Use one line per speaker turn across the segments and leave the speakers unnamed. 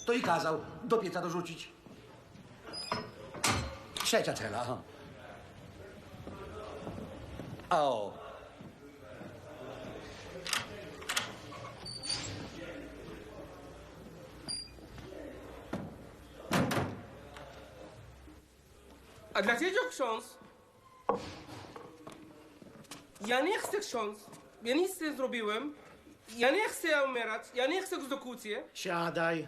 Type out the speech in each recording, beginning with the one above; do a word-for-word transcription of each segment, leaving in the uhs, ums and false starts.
To i kazał do pieca dorzucić. Trzecia cela. O.
A dlaczego ksiądz? Ja nie chcę ksiądz. Ja nic nie zrobiłem. Ja nie chcę umierać. Ja nie chcę egzekucji.
Siadaj.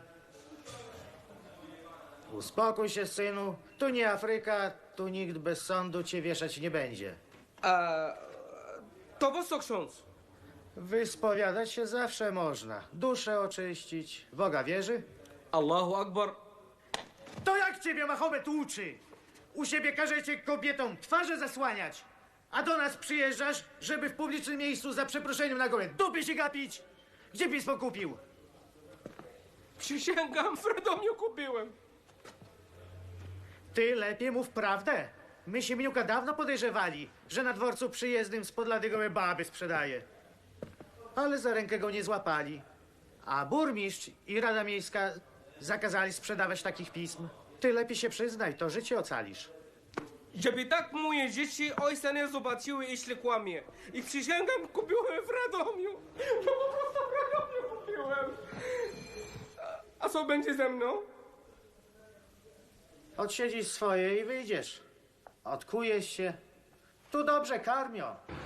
Uspokój się, synu. Tu nie Afryka, tu nikt bez sądu cię wieszać nie będzie.
A to po co ksiądz?
Wyspowiadać się zawsze można. Duszę oczyścić. W Boga wierzy?
Allahu Akbar.
To jak ciebie Mahomet uczy? U siebie każecie kobietom twarze zasłaniać, a do nas przyjeżdżasz, żeby w publicznym miejscu za przeproszeniem na gołę dupy się gapić? Gdzie pismo kupił?
Przysięgam, w Radomiu kupiłem.
Ty lepiej mów prawdę. My się Mniuka dawno podejrzewali, że na dworcu przyjezdnym z Podlady gołe baby sprzedaje. Ale za rękę go nie złapali. A burmistrz i Rada Miejska zakazali sprzedawać takich pism. Ty lepiej się przyznaj, to życie ocalisz.
Żeby tak moje dzieci ojca nie zobaczyły, jeśli kłamie. I przysięgam, kupiłem w Radomiu. No po prostu w Radomiu kupiłem. A, a co będzie ze mną?
Odsiedzisz swoje i wyjdziesz. Odkujesz się. Tu dobrze karmią.